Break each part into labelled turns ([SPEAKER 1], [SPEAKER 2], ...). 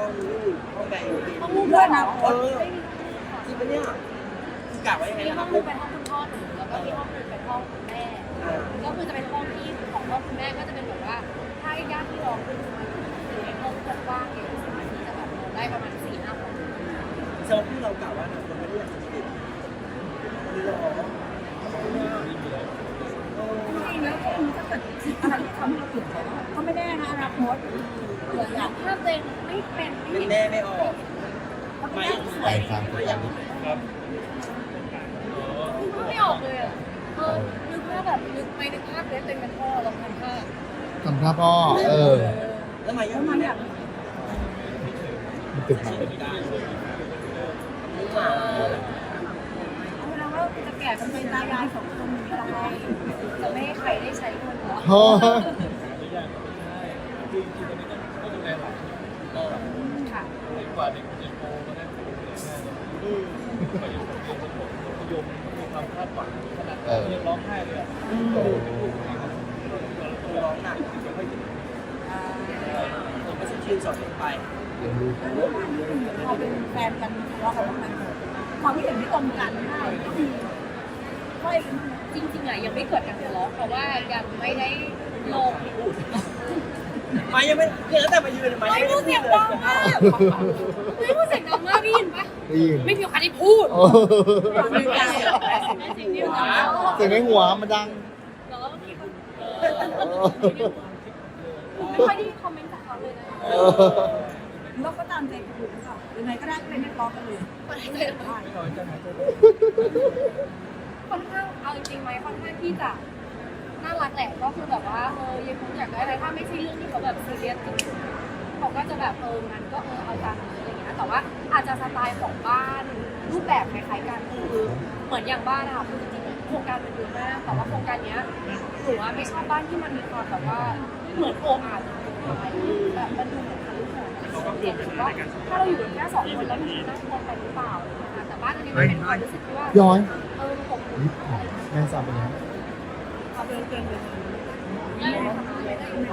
[SPEAKER 1] ห้องใดอยู่ที่
[SPEAKER 2] ต้องรูปด้วยนะ
[SPEAKER 1] จริงปะเนี่ยคือกะไว้ยังไง
[SPEAKER 3] มี
[SPEAKER 1] นะค
[SPEAKER 3] ห้
[SPEAKER 1] รั
[SPEAKER 3] อบ งนึงเป็นห้องคุณพ่อหนูแล้วก็มีห้องนึงเป็นห้องคุณแม่ก็คือจะเป็นห้องที่ของห้องคุณแม่ก็จะเป็นแบบว่าถ้าญาติพี่น้องเป็นมาอยู่ในห้องกว้างๆเนี่ยสามารถที่จะแบบนอนได้ประมาณ4-5 คน
[SPEAKER 1] เซลที่เรากะว่าเราไม่ได้อยากจะติดนี่หรอ
[SPEAKER 2] จริงๆแล้วก็คือถ้าเกิดอะไรที่ทำให้เราเปลี่ยนใจก็ไม่แน่นะอนาคตเผื่ออยาก
[SPEAKER 3] ภาพตัวเองไม่เป็นไม่
[SPEAKER 1] แน่
[SPEAKER 3] เห็น
[SPEAKER 1] ไม่ออก
[SPEAKER 2] เขาไม่ได้ส
[SPEAKER 4] ไป
[SPEAKER 2] วย
[SPEAKER 4] ฟังคุยกัน
[SPEAKER 3] ไม่ออกเลยอ่ะนึกภาพแบบนึกภาพเลยตัวเองเป็นพ่อลองทำภาพ
[SPEAKER 4] ทำท่าพ่อ
[SPEAKER 1] แล้วมา
[SPEAKER 2] แล้
[SPEAKER 1] ยัง
[SPEAKER 2] ว
[SPEAKER 1] ไง
[SPEAKER 2] มัน
[SPEAKER 1] เนี่
[SPEAKER 2] อย ยาก
[SPEAKER 4] มันตึกมา
[SPEAKER 2] เอาเวลาว่าจะแก่เป็นตายายของคนนี้อะไร
[SPEAKER 3] จะไม่ให้ใครได้ใช้เงินเหรอ
[SPEAKER 4] โอ้
[SPEAKER 3] ค่ะ
[SPEAKER 5] กว่าเด็กจะโตมาได้ถึงกว่าจะเรียนจบมัธยมมีความคาดหวังขนาดเรียนร้องไห้เลยอ่ะ
[SPEAKER 1] ร้องหนักไม่ค่อยถึงก็จะชื่นสอนไป
[SPEAKER 4] เลี้ยงลูก
[SPEAKER 2] พอเป็นแฟนกันทะเลาะกันบ้างไหมความคิดเห็นไม่ตรงกันได้ก็มีค่อย
[SPEAKER 3] จริงๆอ่ะยังไม่เกิดการทะเลาะเพราะว่ายังไม่ได้ลง
[SPEAKER 1] มายังไม่เนี่ยตั้งแต่มายืนมา
[SPEAKER 3] ไม่
[SPEAKER 1] ยัง
[SPEAKER 3] พู
[SPEAKER 1] ไม่
[SPEAKER 3] ดเสียงดังมากไม่พูดเสียงดังมากได้ยินปะ
[SPEAKER 4] ได้ยิน
[SPEAKER 3] ไม่มีใครได้พูด
[SPEAKER 4] โอ้
[SPEAKER 2] มีใจ
[SPEAKER 3] สิ่งที่เรา
[SPEAKER 4] เสียงในหัวมันดัง
[SPEAKER 3] แล้วก็มีคนไม่ค่อยได้คอมเมนต์จากเขาเลยนะ
[SPEAKER 2] เราก็ตามใจคุณหรือเปล่ายังไงก็ได้ก็เลยไม่ทะเลาะกันเลย
[SPEAKER 3] ค่อนข้างเอาจริงๆไหมค่อนข้างที่จะน่ารักแหละก็คือแบบว่ายังคงอยากได้อะไรถ้าไม่ใช่เรื่องที่เขาแบบซีเรียสจริงๆเขาก็จะแบบงั้นก็เอาตามนี้อะไรเงี้ยแต่ว่าอาจจะสไตล์ของบ้านรูปแบบคล้ายๆกันคือเหมือนอย่างบ้านนะคะคือจริงๆโครงการมันเยอะมากแต่ว่าโครงการเนี้ยหนูว่าไม่ชอบบ้านที่มันมีความแบบว่าเหมือนโอ่งอาจแบบมันดูเหมือนทะลุของเด็กว่าถ้าเราอยู่กันแค่2 คนแล้วมันน่ากลัวไปหรือเปล่านะคะแต่บ้านอันนี้มันเป็นความรู้สึกที่ว่า
[SPEAKER 4] ย้อย
[SPEAKER 3] ผม
[SPEAKER 4] แม่สาวเป็นยังไง
[SPEAKER 2] เอาเดินเก่งเลย
[SPEAKER 3] ได้ได้ได้อยู่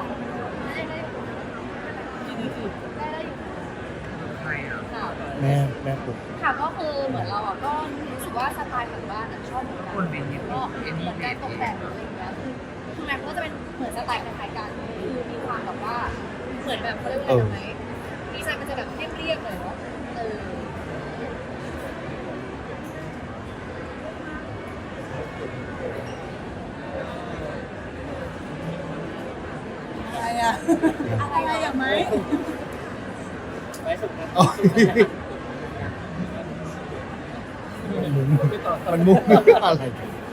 [SPEAKER 3] ค่ะ
[SPEAKER 4] แม่ปลุก
[SPEAKER 3] ค่ะก็คือเหมือนเราอ่ะก็รู้สึกว่าสไตล์ของบ้านอ่ะชอบเหมือนกันก็เหมือนการตกแต่งอะไรอย่างเงี้ยคือแม็กก็จะเป็นเหมือนสไตล์คล้ายๆกันคือมีความแบบว่าเหมือนแบบเขาเรียกว่าอะไรไหมดีไซน์มันจะแบบเรียบๆเลยเนาะ
[SPEAKER 2] อะไรอ่ะอะไรอ่ะไหม
[SPEAKER 1] ไว้สุดนะ
[SPEAKER 4] มันมุ้งอะไร